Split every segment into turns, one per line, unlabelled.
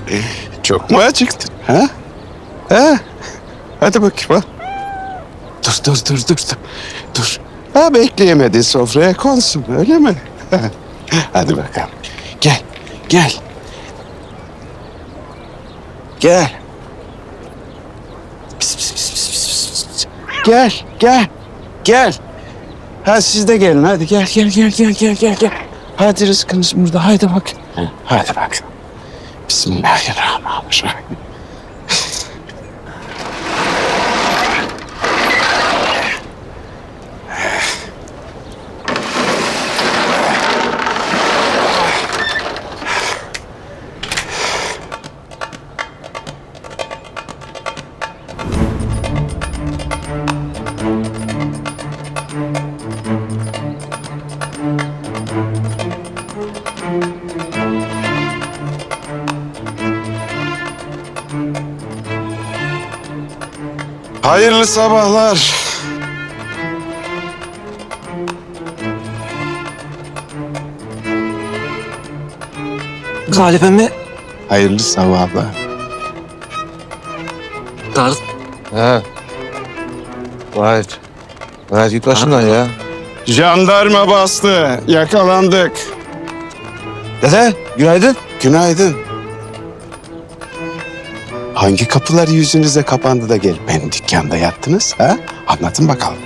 Çok mu acıktın? Ha? Ha? Hadi bakayım ha. Dur. Ha bekleyemedin sofraya konsun öyle mi? Hadi bakalım. Gel. Gel. Pis. Gel. Ha siz de gelin hadi gel. Hadi rızkınız burada haydi bak. Hadi bak. Bismillahirrahmanirrahim. Hayırlı sabahlar.
Galip emmi.
Hayırlı sabahlar.
Tarık.
He. Gayet git başımdan ya.
Jandarma bastı. Yakalandık.
Dede günaydın.
Günaydın. Hangi kapılar yüzünüze kapandı da gelip benim dükkanda yattınız ha? Anlatın bakalım.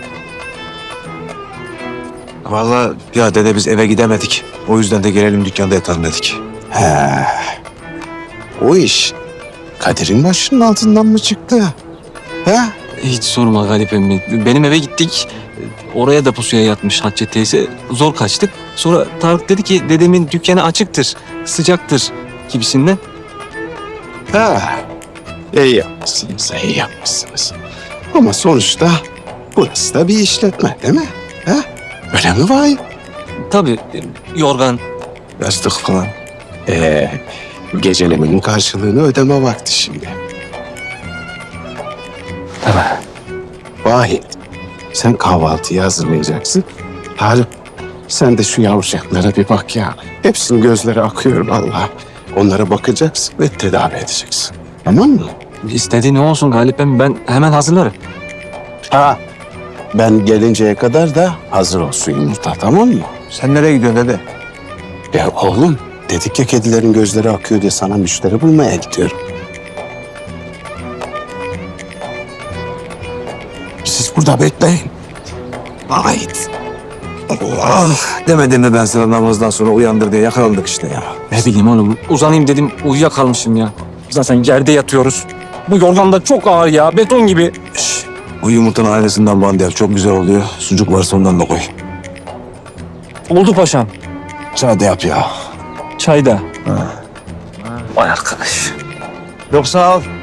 Vallahi ya dede biz eve gidemedik. O yüzden de gelelim dükkanda yatalım dedik.
He. O iş Kadir'in başının altından mı çıktı? He?
Hiç sorma Galip emmi. Benim eve gittik. Oraya da pusuya yatmış Hatice teyze. Zor kaçtık. Sonra Tarık dedi ki dedemin dükkanı açıktır, sıcaktır gibisinden.
Ha. İyi yapmışsınız. Ama sonuçta burası da bir işletme değil mi? Ha? Öyle mi vay?
Tabii yorgan.
Yastık falan.
Gecelemenin karşılığını ödeme vakti şimdi.
Tamam.
Vahit, sen kahvaltıyı hazırlayacaksın. Tarık, sen de şu yavrucaklara bir bak ya. Hepsinin gözleri akıyor vallahi. Onlara bakacaksın ve tedavi edeceksin. Tamam mı?
İstediğin ne olsun Galip emmi, ben hemen hazırlarım.
Ha, ben gelinceye kadar da hazır olsun yumurta, tamam mı?
Sen nereye gidiyorsun dede?
Ya oğlum, dedik ya kedilerin gözleri akıyor diye sana müşteri bulmaya gidiyorum. Siz burada bekleyin.
Vahit. Allah. Demedim mi ben sana namazdan sonra uyandır diye yakalandık işte ya.
Ne bileyim oğlum, uzanayım dedim uyuyakalmışım ya. Zaten yerde yatıyoruz. Bu yorgan da çok ağır ya, beton gibi.
Bu yumurtanın aynısından bandı yap. Çok güzel oluyor. Sucuk varsa ondan da koy.
Oldu paşam.
Çay da yap ya.
Çayda. Vay arkadaş.
Yok sağ ol.